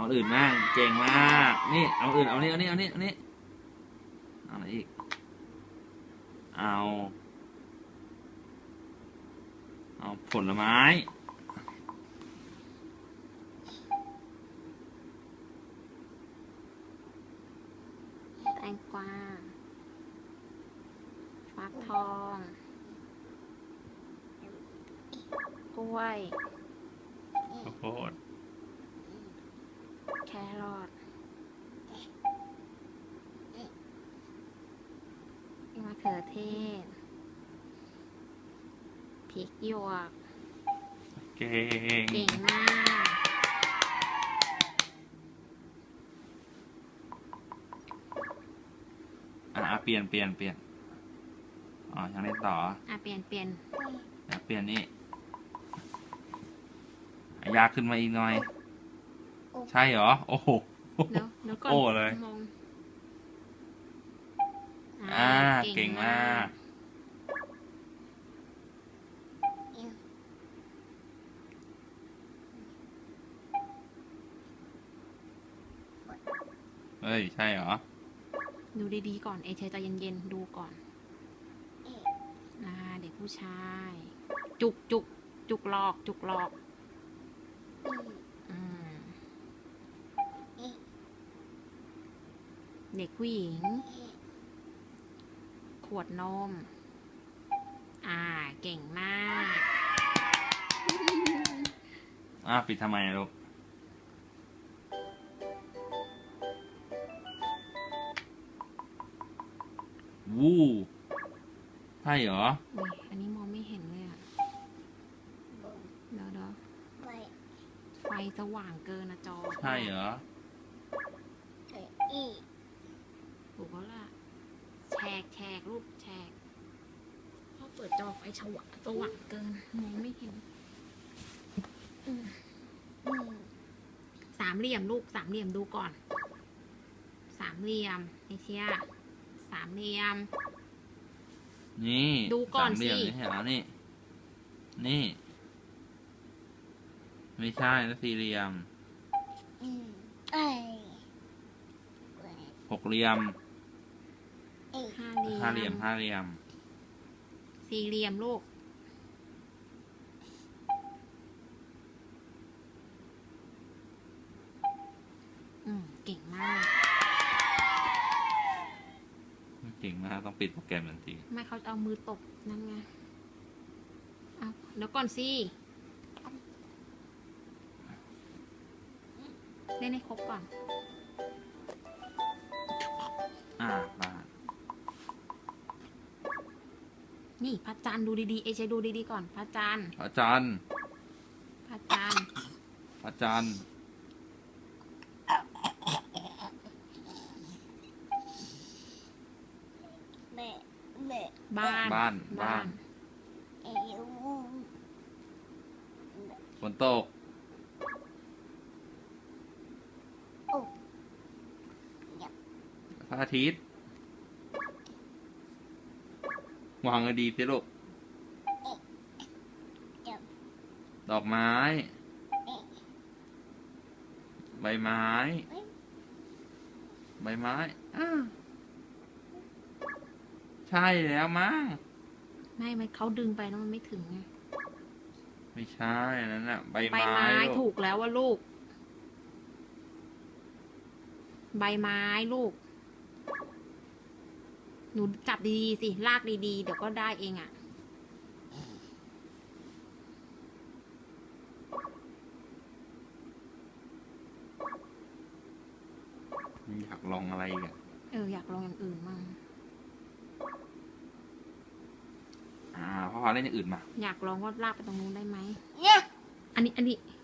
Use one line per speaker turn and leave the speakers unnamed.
เอาอื่นบ้างเก่งมากนี่เอาอื่นเอานี่เอานี่เอานี่เอานี่เอาอะไรอีกเอาผลไม้
แตงกวาฟักทองกล้วย
ข้าวโพด
แครอทมะเขือเทศพริกหยวก
เก่ง
มาก
เปลี่ยนอ๋อยังได้ต่อ
เปลี่ยน
เปลี่ยนนี่ยากขึ้นมาอีกหน่อยใช่เหรอโอ้โห
แล้วก็
โอ้เลยเก่งมากเฮ้ยใช่เหรอ
ดูดีๆก่อนเอเชใจเย็นๆดูก่อนเด็กผู้ชายจุกหลอกเด็กผู้หญิงขวดนมเก่งมาก
ปิดทำไมลูกวู้ใช่เหรอ
อันนี้มองไม่เห็นเลยเดี๋ยวไฟสว่างเกินนะจอ
ใช่เหรอ
ถูกแล้วล่ะแฉกรูปแฉกพอเปิดจอไฟสว่างเกินมองไม่เห็นสามเหลี่ยมลูกสามเหลี่ยมดูก่อนสามเหลี่ยมไอเชียสามเหลี่ยม
นี่
ดูก่อนสิ
นี่เหรอนี่ไม่ใช่นะสี่เหลี่ยมหกเหลี่ยมห้าเหลี่ยม
สี่เหลี่ยมลูกเก่งมาก
ต้องปิดโปรแกรมทันที
ไม่เขาเอามือตบนั่นไงเดี๋ยวก่อนสิเล่นให้ครบก่อน
มา
นี่พระจันทร์ดูดีๆเอเชดูดีๆก่อนพระจันทร์บ้าน
ฝนตกพระอาทิตย์วางให้ดีสิลูกดอกไม้ใบไม้ใช่แล้วมั้ง
ไม่เขาดึงไปแล้วมันไม่ถึงไง
ไม่ใช่นั่นน่ะใบไม้
ถูกแล้วว่าลูกใบไม้ลูกหนูจับดีๆสิลากดีๆเดี๋ยวก็ได้เอง
อยากลองอะไรอีก
อยากลองอย่างอื่นมั่ง
พ่อเล่นอย่างอื่นมา
อยากลองว่าลากไปตรงนู้นได้ไหมเนี่ยอันนี้